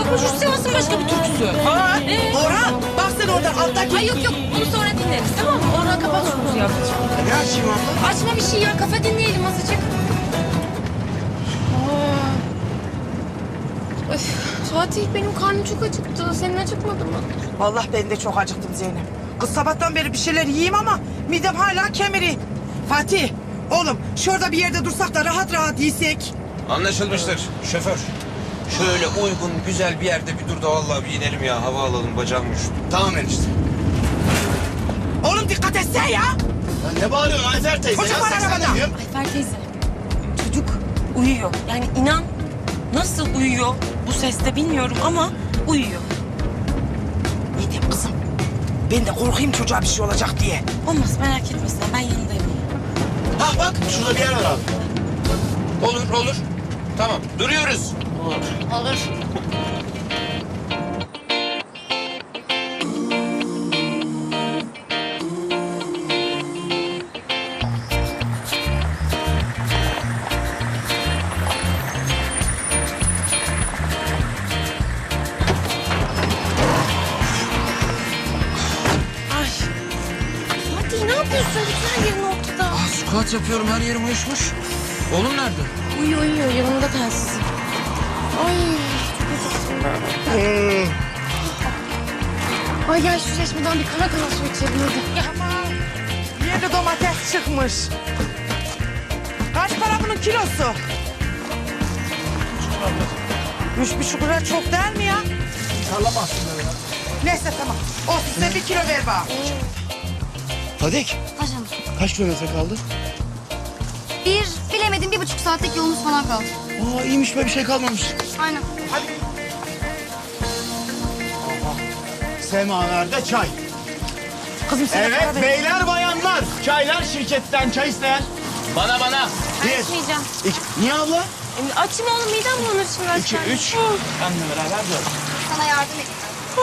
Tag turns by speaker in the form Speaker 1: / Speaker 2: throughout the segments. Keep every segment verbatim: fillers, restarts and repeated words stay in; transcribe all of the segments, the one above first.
Speaker 1: bu şu Sivas'ın başka bir türküsü.
Speaker 2: Ha?
Speaker 1: Ee?
Speaker 2: Orhan bak sen oradan alttaki.
Speaker 1: Ay yok yok bunu sonra dinleriz tamam mı? Orhan kapat şu müziği ablacığım.
Speaker 2: Ne açayım abla?
Speaker 1: Açma bir şey ya kafa dinleyelim azıcık. Aa. Öf, Fatih benim karnım çok acıktı. Senin acıkmadı mı?
Speaker 2: Vallahi ben de çok acıktım Zeynep. Kız sabahtan beri bir şeyler yiyeyim ama midem hala kemiri. Fatih, oğlum şurada bir yerde dursak da rahat rahat yiysek.
Speaker 3: Anlaşılmıştır şoför. Şöyle uygun güzel bir yerde bir dur da vallahi bir inelim ya. Hava alalım bacağım üşüdü.
Speaker 4: Tamam enişte.
Speaker 2: Oğlum dikkat etsene ya.
Speaker 4: Ya ne bağırıyorsun Ayfer teyze?
Speaker 2: Çocuk
Speaker 4: ya?
Speaker 2: var
Speaker 4: Seksene
Speaker 2: arabada.
Speaker 4: diyorum.
Speaker 1: Ayfer teyze çocuk uyuyor. Yani inan nasıl uyuyor bu seste bilmiyorum ama uyuyor.
Speaker 2: Ne diyeyim kızım? Ben de korkayım çocuğa bir şey olacak diye.
Speaker 1: Olmaz merak etme sen ben yanındayım.
Speaker 4: Bak bak şurada bir yer var abi.
Speaker 3: Olur olur. Tamam duruyoruz.
Speaker 1: Olur. Ay. Fatih ne yapıyorsun? Bütün her yerin ortada.
Speaker 3: Aa, squat yapıyorum her yerim uyuşmuş. Oğlum nerede?
Speaker 1: Uyuyor uyuyor yanımda telsiz. Ay çok acıktım ben. Ay gel şu çeşmeden bir kara kara su içelim hadi. Gel.
Speaker 2: Yeni domates çıkmış. Kaç para bunun kilosu? Üç buçuk lira çok değil mi ya?
Speaker 4: Sallamazsın böyle ya.
Speaker 2: Neyse tamam. Olsun sen bir kilo ver bana.
Speaker 4: Fadik
Speaker 5: Paşam.
Speaker 4: kaç kilometre kaldı?
Speaker 5: Bir, bilemedim bir buçuk saatlik yolumuz falan kaldı.
Speaker 4: Aa iyiymiş be bir şey kalmamış.
Speaker 5: Aynen.
Speaker 4: Semalarda çay.
Speaker 2: Kızım sen para
Speaker 4: Evet
Speaker 2: ver.
Speaker 4: beyler bayanlar. Çaylar şirketten çay isteyen. Bana bana. Bir.
Speaker 1: Açmayacağım.
Speaker 4: İki. Niye abla?
Speaker 1: E, açayım oğlum midem bulanır şimdi
Speaker 4: İki,
Speaker 1: açarım.
Speaker 4: üç. Benle beraber dört.
Speaker 5: Sana yardım edeyim.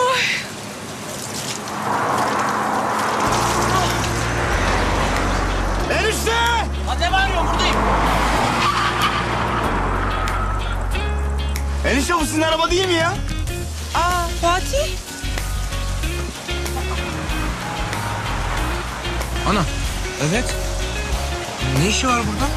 Speaker 4: Enişte!
Speaker 3: Lan ne bağırıyorsun buradayım.
Speaker 4: Enişte bu sizin araba değil mi ya?
Speaker 2: Aa Fatih.
Speaker 3: Ana. Evet. Ne işi var burada?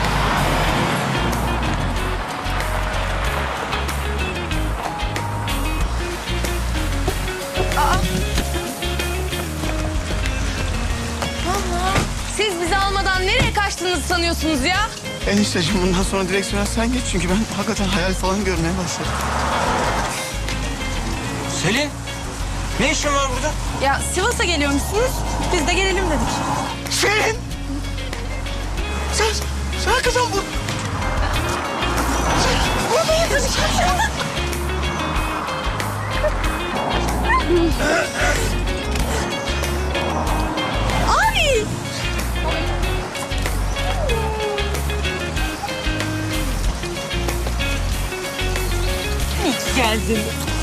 Speaker 1: Allah. Siz bizi almadan nereye kaçtığınızı sanıyorsunuz ya?
Speaker 4: Enişteciğim bundan sonra direksiyona sen geç çünkü ben hakikaten hayal falan görmeye başladım.
Speaker 3: Selin. Ne işin var burada?
Speaker 1: Ya Sivas'a geliyormuşsunuz. Biz de gelelim dedik.
Speaker 4: Selin! Sen, sen kızım bu.
Speaker 1: Ay! İyi ki geldin.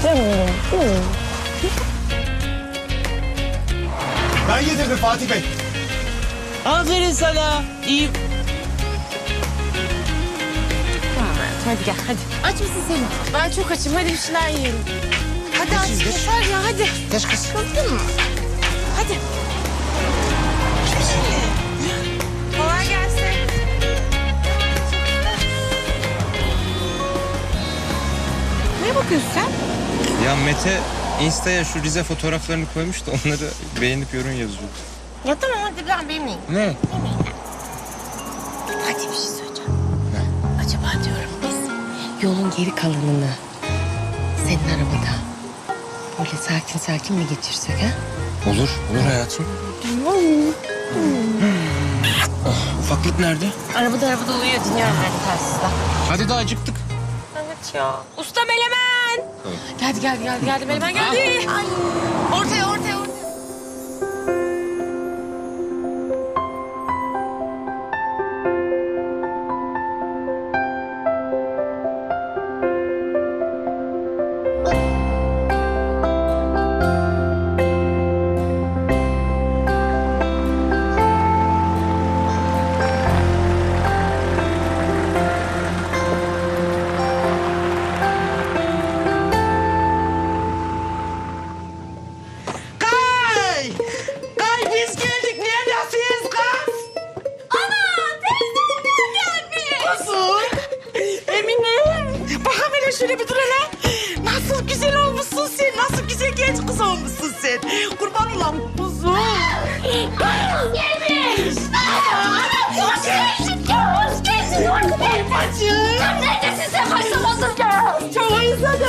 Speaker 4: Ben getirdim Fatih Bey.
Speaker 2: Aferin sana. İyi.
Speaker 1: Hadi gel hadi. Aç mısın Selim? Ben çok açım. Hadi bir şeyler yiyelim. Hadi aç. Yeter ya hadi.
Speaker 4: Geç kız.
Speaker 1: Kızdın mı? Hadi. Kolay gelsin. Neye bakıyorsun sen?
Speaker 3: Ya Mete Insta'ya şu Rize fotoğraflarını koymuş da onları beğenip yorum yazıyor.
Speaker 1: Ya tamam hadi ben bilmeyeyim.
Speaker 3: Ne?
Speaker 1: Hadi bir şey söyleyeceğim. Acaba diyorum biz yolun geri kalanını senin arabada böyle sakin sakin mi geçirsek ha?
Speaker 3: Olur, olur hayatım. Ah, ufaklık nerede?
Speaker 1: Arabada arabada uyuyor dinliyorum ben de telsizden.
Speaker 3: Hadi daha acıktık.
Speaker 1: Evet ya. Usta Melemen. Geldi geldi geldi geldi Melemen geldi. Ay. Ortaya ortaya ortaya.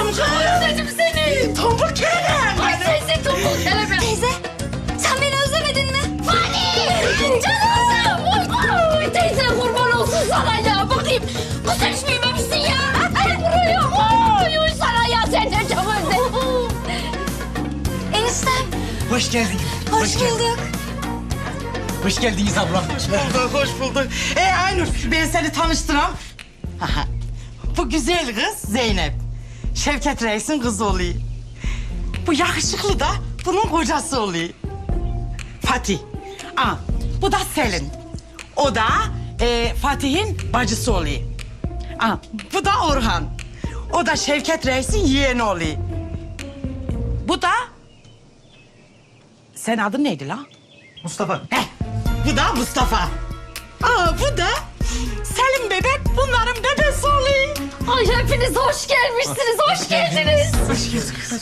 Speaker 5: Özledim seni.
Speaker 2: Tombul kelebek.
Speaker 5: Ay teyze tombul kelebek. Teyze sen beni özlemedin mi? Fani. Canım. Oy, oy, teyze kurban olsun sana ya. Bakayım. Bu sen hiç büyümemişsin ya. El vuruyor. Oy, oy sana ya. Sen de çok özledim. Eniştem.
Speaker 6: Hoş geldin.
Speaker 5: Hoş bulduk.
Speaker 6: Hoş geldiniz abla.
Speaker 2: Hoş bulduk, hoş bulduk. Ee Aynur, ben seni tanıştıram. Bu güzel kız Zeynep. Şevket Reis'in kızı oluyor. Bu yakışıklı da bunun kocası oluyor. Fatih. Aa, bu da Selin. O da e, Fatih'in bacısı oluyor. Aa, bu da Orhan. O da Şevket Reis'in yeğeni oluyor. Bu da... Senin adın neydi lan?
Speaker 6: Mustafa.
Speaker 2: Heh, bu da Mustafa. Aa, bu da Selim bebek, bunların bebesi oluyor.
Speaker 5: Ay hepiniz hoş gelmişsiniz. Hoş geldiniz.
Speaker 2: Hoş geldin kız.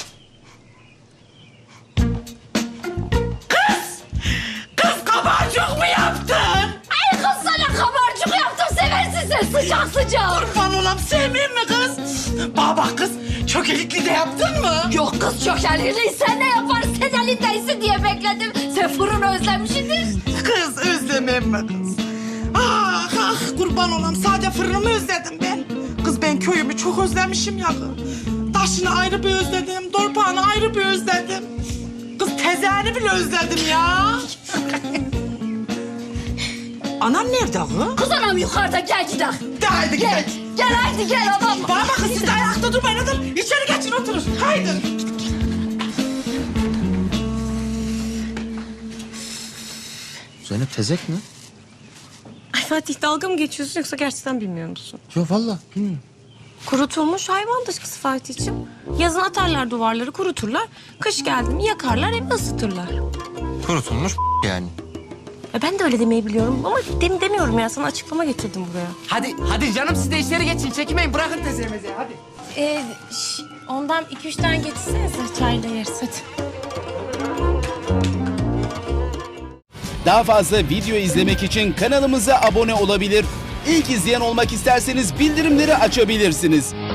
Speaker 2: Kız! Kız kabarcık mı yaptın?
Speaker 5: Ay kız sana kabarcık yaptım. Seversin sen sıcak sıcak.
Speaker 2: Kurban olam sevmeyeyim mi kız? Bana bak kız, çökelikli de yaptın mı?
Speaker 5: Yok kız çok elini sen ne yaparsın? Sen elindeysin diye bekledim. Sen fırını özlemişsindir.
Speaker 2: Kız özlemem mi kız? Ah ah kurban olam, sadece fırınımı özledim ben. Kız ben köyümü çok özlemişim ya kız. Taşını ayrı bir özledim, dorpağını ayrı bir özledim. Kız tezeni bile özledim ya. Anan nerede kız?
Speaker 5: Kız anam yukarıda gel gidelim.
Speaker 2: De haydi
Speaker 5: Gel.
Speaker 2: gidelim.
Speaker 5: Gel haydi gel adam.
Speaker 2: Bana bakın siz de ayakta durmayın otur. İçeri geçin oturun. Haydi.
Speaker 3: Zeynep tezek mi?
Speaker 7: Ay Fatih dalga mı geçiyorsun yoksa gerçekten bilmiyor musun?
Speaker 3: Yok vallahi bilmiyorum.
Speaker 7: Kurutulmuş hayvan dışkısı Fatih'ciğim. Yazın atarlar duvarları kuruturlar. Kış geldi mi yakarlar evi ısıtırlar.
Speaker 3: Kurutulmuş yani.
Speaker 7: E ben de öyle demeyi biliyorum ama dem demiyorum ya sana açıklama getirdim buraya.
Speaker 6: Hadi hadi canım siz de içeri geçin. Çekinmeyin bırakın tezemizi hadi.
Speaker 7: Ee, şş, ondan iki üç tane getirsenize çayla yeriz hadi.
Speaker 8: Daha fazla video izlemek için kanalımıza abone olabilir. İlk izleyen olmak isterseniz bildirimleri açabilirsiniz.